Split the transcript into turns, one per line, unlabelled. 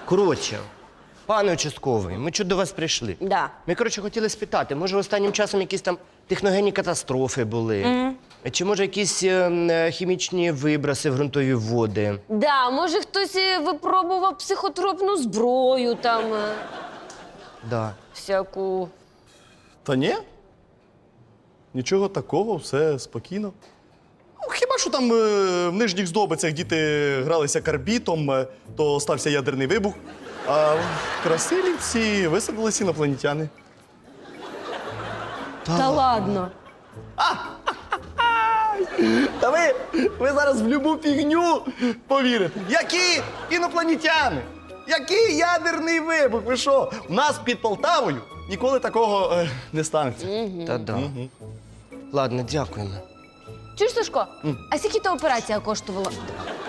Коротше, пане участковий, ми чого до вас прийшли?
Да.
Ми, коротше, хотіли спитати, може останнім часом якісь там техногенні катастрофи були? Чи може якісь хімічні виброси в ґрунтові води?
Да, може хтось випробував психотропну зброю там,
Да.
всяку.
Та ні. Нічого такого, все спокійно. Ну, хіба що там в нижніх здобицях діти гралися карбітом, то стався ядерний вибух. А в Красилівці висадились інопланетяни.
Та ладно.
Та ви зараз в любу фігню повірите. Які інопланетяни? Який ядерний вибух? Ви що? У нас під Полтавою ніколи такого не станеться.
Та-да. Ладно, дякуємо.
Чуєш, Сашко, а скільки та операція коштувала?